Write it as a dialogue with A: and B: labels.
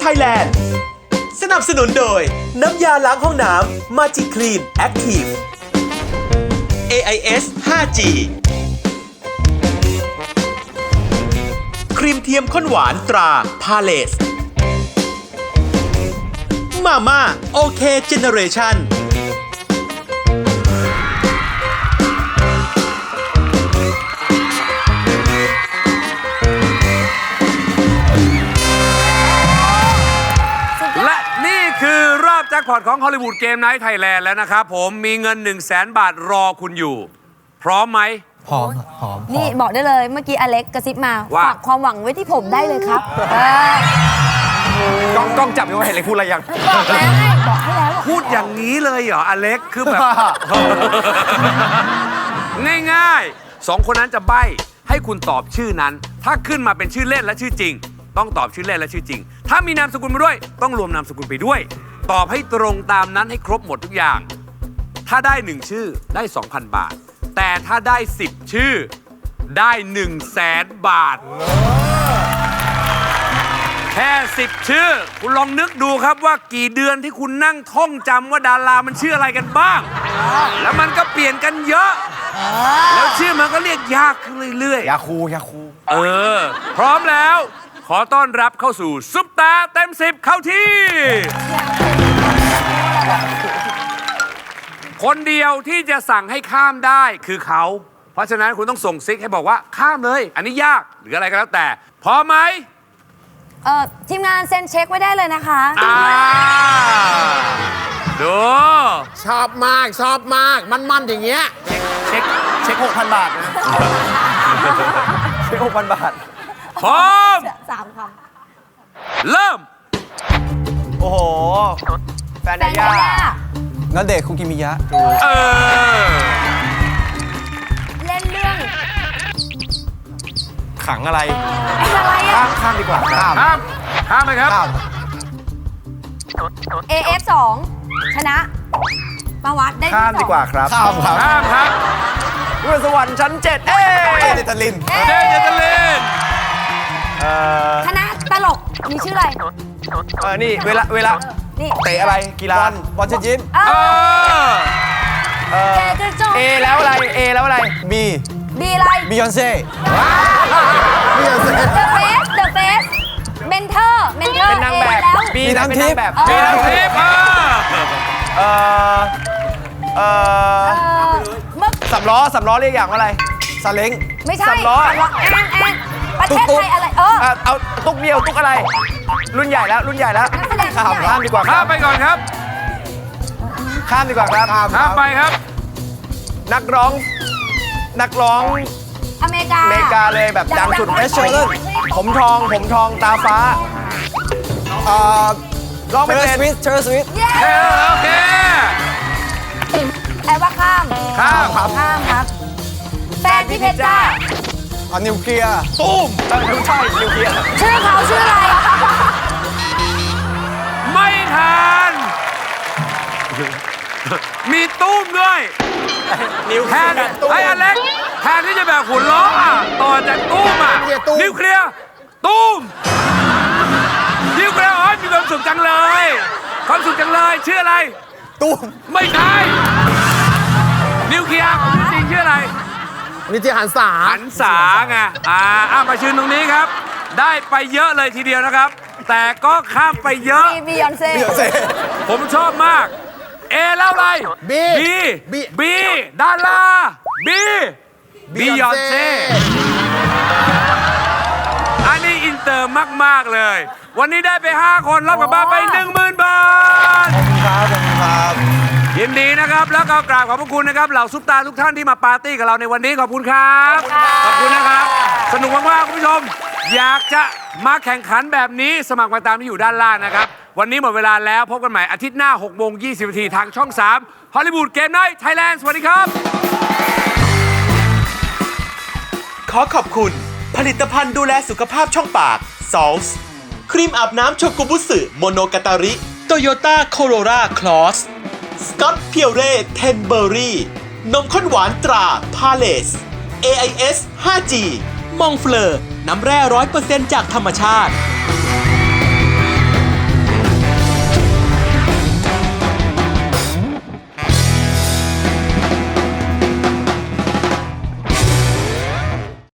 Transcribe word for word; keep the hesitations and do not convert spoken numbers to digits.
A: Thailand สนับสนุนโดยน้ำยาล้างห้องน้ำ Magic Clean Active เอ ไอ เอส ไฟว์ จี ครีมเทียมข้นหวานตราพาเลสมาม่าโอเคเจเนเรชั่น
B: และนี่คือรอบแจ็คพอตของฮอลลีวูดเกมไนท์ไทยแลนด์แล้วนะครับผมมีเงิน หนึ่งแสน บาทรอคุณอยู่ พร้อมไหม
C: พร้อมพร้อม
D: นี่บอกได้เลยเมื่อกี้อเล็กกระซิบมา
B: ว่า
D: ฝากความหวังไว้ที่ผมได้เลยครับเออก
C: ล้องกล้องจับอยู่ว่าเห็นอะไรพูดอะไรยัง
D: บอกแล้วให้บอกให้แล้ว
B: พูดอย่างนี้เลยเหรออเล็กคือแบบ ง่ายๆสองคนนั้นจะใบ้ให้คุณตอบชื่อนั้น ถ้าขึ้นมาเป็นชื่อเล่นและชื่อจริง ต้องตอบชื่อเล่นและชื่อจริง ถ้ามีนามสกุลมาด้วยต้องรวมนามสกุลไปด้วย ตอบให้ตรงตามนั้นให้ครบหมดทุกอย่าง ถ้าได้หนึ่งชื่อได้ สองพัน บาท แต่ถ้าได้สิบชื่อได้ หนึ่งแสน บาท แค่สิบชื่อคุณลองนึกดูครับว่ากี่เดือนที่คุณนั่งท่องจำว่าดารามันชื่ออะไรกันบ้าง แล้วมันก็เปลี่ยนกันเยอะ แล้วชื่อมันก็เรียกยากขึ้นเรื่อยๆ
C: ยาคูยาคู
B: เออ พร้อมแล้ว ขอต้อนรับเข้าสู่ซุปตาเต็มสิบเข้าที่ คนเดียวที่จะสั่งให้ข้ามได้คือเขา เพราะฉะนั้นคุณต้องส่งซิกให้บอกว่าข้ามเลย อันนี้ยากหรืออะไรก็แล้วแต่ พร้อมไหม
D: เออทีมงานเซ็นเช็คไว้ได้เลยนะคะ
B: อ่าดู
E: ชอบมากชอบมากมันๆอย่างเงี้ย
C: เช็คเช็คหกพันบาทนะเช็คหกพันบาท
B: พร้อม
D: สามค
B: เริ่ม
C: โอ้โห แฟน
D: ำแฟ
C: ยาน
D: ยา
C: ย่า
D: ย่า
C: ณเดชน์คุกิมิยะ
B: เออ
D: เล่นเรื่อง
C: ขังอะไร
D: อะไร
C: ข้า
D: อะ
C: มข้ามดีกว่าข้าม
B: ข้าม ข้ามไหมครับ
C: ข้าม
D: เอ เอฟ สองชนะประวัติได้ที่
C: ข้ามดีกว่าครับข้ามครับ
B: ข้ามครับ
C: เรื่องสวรรค์ชั้นเจ็ดเอ้ยเดตาลิน
B: เจเจตลิน
C: เอ่อ
D: คณะตลกมีชื่ออะไร
C: เออนี่เวลาเวลา
D: นี่
C: เตะอะไรกีฬาบอลเชนจิน
D: เอ
B: เอ
D: อ
B: อ
C: เอ่อ
D: เจเจโจ
C: เอแล้วอะไรเอแล้วอะไรบี
D: บีอะไร
C: บียอนเซ่
D: เดอะเฟสเดอะเฟสเมนเทอร์เมนเทอร์
C: เป็นนางแบบ
D: แล้ว
C: บีเป็นนางแบบ
B: มีน้ำทิพย์อ่ะ
C: เอ่อเอ่อ
D: เออเมื่อ
C: สำล้อสำล้อเรียกอย่างว่าอะไรซาเล้ง
D: ไม่ใช่
C: สำล้อ
D: แอนแอนประเทศไทยอะไรเออ
C: เอ่อเอาตุ๊กเดียวตุ๊กอะไร รุ่นใหญ่แล้วรุ่นใหญ่แล้ว
D: นักแสดง
C: ข้าม
D: รุ่นใหญ่
C: ข้ามดีกว่าค
B: ข้า
C: รั
B: ม
C: บ
B: ไปก่อนครับ
C: ข้ามดีกว่าครับ
B: ข้ามไปครับ
C: นักร้องนักร้อง
D: อเมริกา
C: อเมริกาเลยแบบดังสุด
D: ดังๆ
C: เอชเชอร์ผมทองผมทองตาฟ้าเอ่อร้องไม่เป็นเชอร์สวิต
D: เย้
B: เออโอเค
D: แปลว่าข้าม
B: ข้าม
C: ครับ
D: ข้ามครับ แฟนพี่เพชรจ้า
C: อ่ะนิวเคลียร์ตุ้มไม่ใช่นิวเคลียร์
D: ชื่อเขาชื่ออะไร
B: ไม่ทัน มีตุ้มด้วย
C: นิวเค
B: แท
C: ลีย
B: น
C: ร์ตุ้ม
B: ไอ้อเล็กแทนที่จะแบบหุ่นล้ออ่ะต่อจากตุ้มอ่ะ
E: นิวเคลียร์ตุ้ม
B: นิวเคลียร์ตุ้มนิวเคลียร์อ๋อมีความสุขจังเลย ความสุขจังเลยชื่ออะไร
C: ตุ้ม
B: ไม่ใช่นิวเคลียร์จริงๆชื่ออะไร
E: นิติหันษา
B: หันษาไงอ่าอ่ะมาชื่นตรงนี้ครับ ได้ไปเยอะเลยทีเดียวนะครับ แต่ก็ข้ามไปเยอะ
D: บีบียอนเซ่
C: เดี๋ยวเซ่
B: ผมชอบมาก เอแล้วอะไร
E: บี
B: บี
E: บี
B: บีดาราบีบียอนเซ่อันนี้อินเตอร์มาก ๆ เลย วันนี้ได้ไป ห้า คนรับกลับบ้านไป หนึ่งหมื่น บาท
C: ครับผมครับ
B: ยินดีนะครับ แล้วก็กราบขอบพระคุณนะครับเหล่าซุปตาทุกท่านที่มาปาร์ตี้กับเราในวันนี้ขอบคุณครับ ขอบคุณนะครับ สนุกมากๆคุณผู้ชม อยากจะมาแข่งขันแบบนี้สมัครมาตามที่อยู่ด้านล่างนะครับ วันนี้หมดเวลาแล้วพบกันใหม่อาทิตย์หน้าหกโมงยี่สิบนาทีทางช่องสามฮอลลีวูดเกมไนท์ไทยแลนด์สวัสดีครับ
A: ขอขอบคุณ ผลิตภัณฑ์ดูแลสุขภาพช่องปาก ซอลส์ ครีมอาบน้ำโชกุบุสึโมโนกาตาริ โตโยต้าโคโรราคลอส สกอตเพียวเร่เทนเบอรี่ นมข้นหวานตราพาเลส เอ ไอ เอส ไฟว์ จี มองเฟลอร์ น้ำแร่ร้อยเปอร์เซ็นต์จากธรรมชาติ